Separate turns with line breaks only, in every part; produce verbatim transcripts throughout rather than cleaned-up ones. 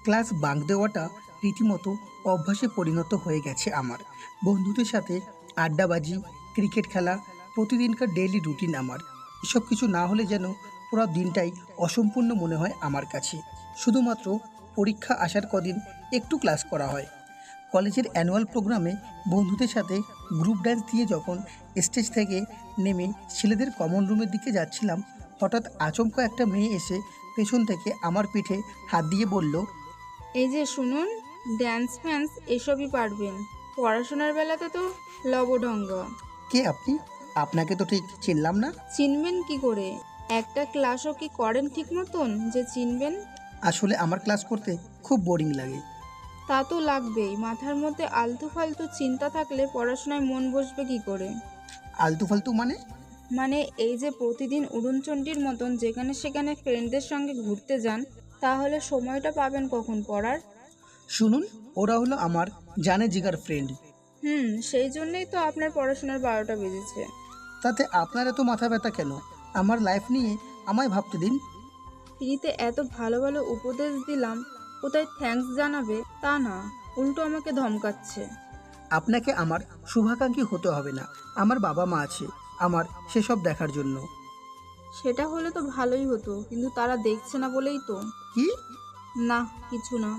Class bunk দেওয়াটা রীতিমতো অভ্যাসে পরিণত হয়ে গেছে আমার। বন্ধুদের সাথে আড্ডাবাজি, ক্রিকেট খেলা প্রতিদিনকার ডেইলি রুটিন আমার। এসব কিছু না হলে যেন পুরো দিনটাই অসম্পূর্ণ মনে হয় আমার কাছে। শুধুমাত্র পরীক্ষা আসার কদিন একটু ক্লাস করা হয়। কলেজের অ্যানুয়াল প্রোগ্রামে বন্ধুদের সাথে গ্রুপ ডান্স দিয়ে যখন স্টেজ থেকে নেমে ছেলেদের কমন রুমের দিকে যাচ্ছিলাম, হঠাৎ আচমকা একটা মেয়ে এসে পেছন থেকে আমার পিঠে হাত দিয়ে বলল,
এই যে শুনুন, ড্যান্স ফ্যান্স এসবই পারবেন, পড়াশোনার বেলাতে তো লবঢঙ্গ।
কে আপনি? আপনাকে তো ঠিক চিনলাম না।
চিনবেন কি করে? একটা ক্লাসও কি করেন ঠিক মতন যে চিনবেন?
আসলে আমার ক্লাস করতে খুব বোরিং লাগে।
তা তো লাগবেই, মাথার মধ্যে আলতু ফালতু চিন্তা থাকলে পড়াশোনায় মন বসবে কি করে?
আলতু ফালতু মানে?
মানে এই যে প্রতিদিন উড়নচণ্ডীর মতন যেখানে সেখানে ফ্রেন্ডদের সঙ্গে ঘুরতে যান, তাহলে সময়টা পাবেন কখন পড়ার?
শুনুন, ওরা হলো আমার জানে জিগার ফ্রেন্ড।
হুম, সেই জন্যই তো আপনার পড়াশোনার বারোটা বেজেছে।
তাতে আপনার এত মাথা ব্যথা কেন? আমার লাইফ নিয়ে আমায় ভাবতে দিন।
ফ্রিতে এত ভালো ভালো উপদেশ দিলাম, কোথায় থ্যাঙ্কস জানাবে তা না, উল্টো আমাকে ধমকাচ্ছে।
আপনাকে আমার শুভাকাঙ্ক্ষী হতে হবে না। আমার বাবা মা আছে আমার সেসব দেখার জন্য।
সেটা হলে তো ভালোই হতো, কিন্তু তারা দেখছে না বলেই তো।
কি?
না, কিছু না।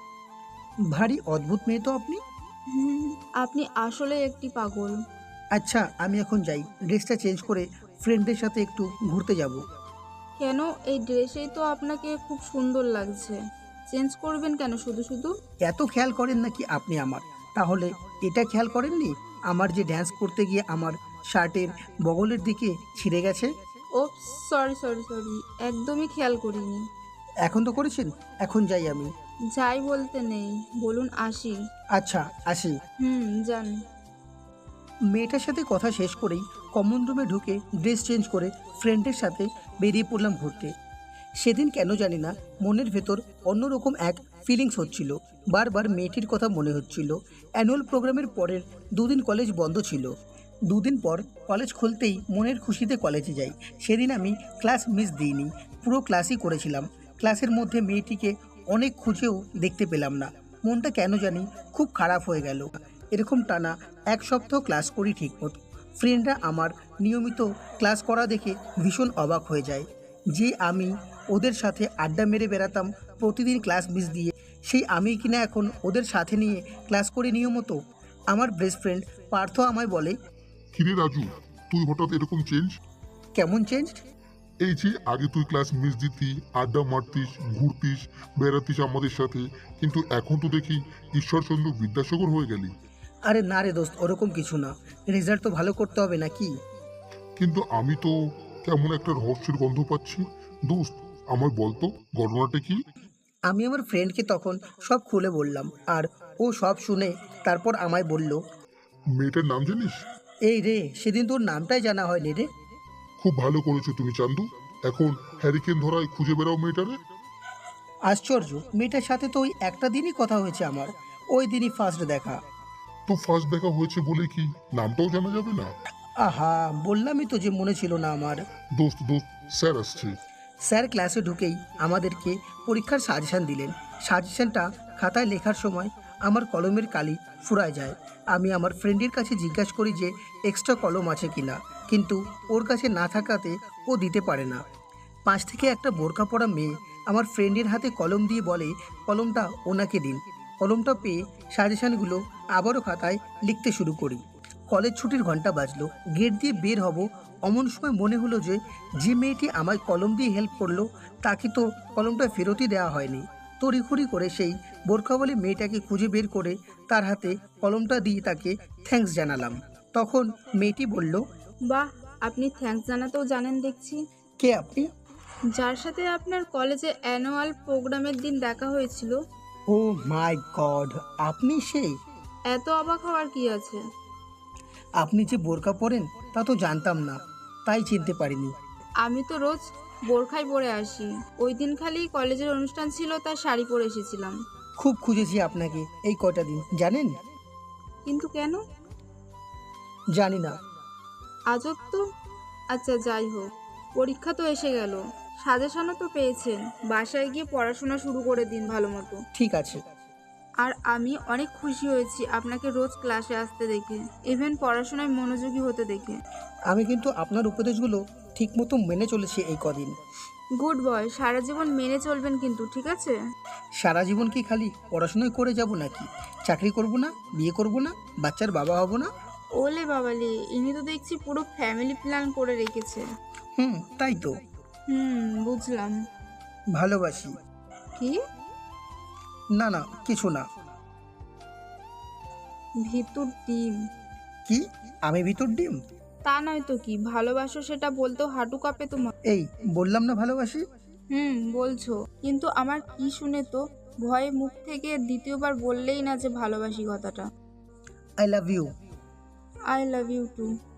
ভারী অদ্ভুত মেয়ে তো আপনি।
হুম, আপনি আসলে একটি পাগল।
আচ্ছা, আমি এখন যাই, ড্রেসটা চেঞ্জ করে ফ্রেন্ডদের সাথে একটু ঘুরতে যাব।
কেন? এই ড্রেসেই তো আপনাকে খুব সুন্দর লাগছে। চেঞ্জ করবেন কেন শুধু শুধু?
এত খেয়াল করেন নাকি আপনি আমার? তাহলে এটা খেয়াল করেননি আমার যে ড্যান্স করতে গিয়ে আমার শার্টের বগলের দিকে ছিঁড়ে গেছে?
ও, সরি সরি সরি, একদমই খেয়াল করিনি।
এখন তো করেছেন, এখন যাই আমি।
যাই বলতে নেই, বলুন আসি।
আচ্ছা, আসি।
হুম, যান।
মেয়েটার সাথে কথা শেষ করেই কমন রুমে ঢুকে ড্রেস চেঞ্জ করে ফ্রেন্ডের সাথে বেরিয়ে পড়লাম ঘুরতে। সেদিন কেন জানি না মনের ভেতর অন্যরকম এক ফিলিংস হচ্ছিল। বারবার মেয়েটির কথা মনে হচ্ছিল। অ্যানুয়াল প্রোগ্রামের পরের দুদিন কলেজ বন্ধ ছিল। দুদিন পর কলেজ খুলতেই মনের খুশিতে কলেজে যাই। সেদিন আমি ক্লাস মিস দিইনি, পুরো ক্লাসই করেছিলাম। ক্লাসের মধ্যে মেয়েটিকে অনেক খুঁজেও দেখতে পেলাম না। মনটা কেন জানি খুব খারাপ হয়ে গেল। এরকম টানা এক সপ্তাহ ক্লাস করি ঠিকমতো। ফ্রেন্ডরা আমার নিয়মিত ক্লাস করা দেখে ভীষণ অবাক হয়ে যায়। যে আমি ওদের সাথে আড্ডা মেরে বেড়াতাম প্রতিদিন ক্লাস মিস দিয়ে, সেই আমি কিনা এখন ওদের সাথে নিয়ে ক্লাস করি নিয়মিত। আমার বেস্ট ফ্রেন্ড পার্থ আমায় বলে,
কিরে রাজু, তুই হঠাৎ এরকম চেঞ্জ?
কেমন চেঞ্জ?
এই যে আগে তুই ক্লাস মিস দিতি, আড্ডা মারতিস, ঘুরতিস, বেড়াতিস আমাদের সাথে, কিন্তু এখন তো দেখি ঈশ্বরচন্দ্র বিদ্যাসাগর হয়ে গেলি।
আরে না রে দোস্ত, ওরকম কিছু না। রেজাল্ট তো ভালো করতে হবে নাকি?
কিন্তু আমি তো কেমন একটা রহস্যের গন্ধ পাচ্ছি। দোস্ত, আমায় বলতো ঘটনাটা কি?
আমি আমার ফ্রেন্ডকে তখন সব খুলে বললাম, আর ও সব শুনে তারপর আমায় বলল,
মেয়েটার নাম জানিস?
এই রে, সেদিন তোর নামটাই জানা হয়নি রে।
খুব ভালো করেছো তুমি চান্দু। এখন হ্যারিকেন ধরায় খুঁজে বেড়াও মেয়েটারে।
আশ্চর্য, মেয়েটার সাথে তো ওই একটা দিনই কথা হয়েছে আমার, ওই দিনই ফার্স্ট দেখা।
তো ফার্স্ট দেখা হয়েছে বলে কি নামটাও জানা যাবে না?
আহা, বললামই তো যে মনে ছিল না আমার।
দোস্ত দোস্ত, স্যার আসছে।
স্যার ক্লাসে ঢুকেই আমাদেরকে পরীক্ষার সাজেশন দিলেন। সাজেশনটা খাতায় লেখার সময় আমার কলমের কালি ফুরায় যায়। আমি আমার ফ্রেন্ডের কাছে জিজ্ঞাসা করি যে এক্সট্রা কলম আছে কিনা, কিন্তু ওর কাছে না থাকাতে ও দিতে পারে না। পাশ থেকে একটা বোরকা পরা মেয়ে আমার ফ্রেন্ডের হাতে কলম দিয়ে বলে কলমটা ওনাকে দিন। কলমটা পেয়ে সাজেশনগুলো আবারও খাতায় লিখতে শুরু করি। কলেজ ছুটির ঘন্টা বাজলো, গেট দিয়ে বের হব, অমন সময় মনে হলো যে যে মেয়েটি আমায় কলম দিয়ে হেল্প করলো তাকে তো কলমটা ফেরতই দেওয়া হয়নি। তড়িঘড়ি করে সেই বোরখাওয়ালি মেয়েটাকে খুঁজে বের করে তার হাতে কলমটা দিয়ে তাকে থ্যাঙ্কস জানালাম। তখন মেয়েটি বলল,
বাহ, আপনি থ্যাঙ্কস জানাতেও জানেন দেখছি।
কে আপনি?
যার সাথে আপনার কলেজে অ্যানুয়াল প্রোগ্রামের দিন দেখা হয়েছিল।
ও মাই গড, আপনি সেই?
এত অবাক হওয়ার কি আছে?
আপনি যে বোরকা পরেন তা তো জানতাম না, তাই চিনতে পারিনি।
আমি তো রোজ বোরখাই পরে আসি, ওই দিন খালি কলেজের অনুষ্ঠান ছিল তাই শাড়ি পরে এসেছিলাম।
খুব খুঁজেছি আপনাকে এই কয়টা দিন, জানেন?
কিন্তু কেন?
জানি না।
আজব তো। আচ্ছা যাই হোক, পরীক্ষা তো এসে গেল, সাজেশনও তো পেয়েছেন, বাসায় গিয়ে পড়াশোনা শুরু করে দিন ভালো মতো।
ঠিক আছে।
আর আমি অনেক খুশি হয়েছি আপনাকে রোজ ক্লাসে আসতে দেখে, ইভেন পড়াশোনায় মনোযোগী হতে দেখে।
আমি কিন্তু আপনার উপদেশগুলো ঠিকমতো মেনে চলেছি এই কদিন।
গুড বয়, সারা জীবন মেনে চলবেন কিন্তু, ঠিক আছে?
সারা জীবন কি খালি পড়াশোনাই করে যাব নাকি? চাকরি করব না, বিয়ে করব না, বাচ্চার বাবা হব না?
ওলে বাবালে, ইনি তো দেখছি পুরো ফ্যামিলি প্ল্যান করে রেখেছে।
হুম, তাই তো।
হুম, বুঝলাম।
ভালোবাসি।
কি?
না না, কিছু না।
ভিতর ডিম?
কি? আমি ভিতর ডিম?
তা নয় তো কি, ভালোবাসো সেটা বলতেও হাঁটু কাঁপে তোমার।
এই বললাম না ভালোবাসি।
হুম, বলছো, কিন্তু আমার কি শুনে তো ভয়ে মুখ থেকে দ্বিতীয়বার বললেই না যে ভালোবাসি কথাটা।
I love you.
I love you two.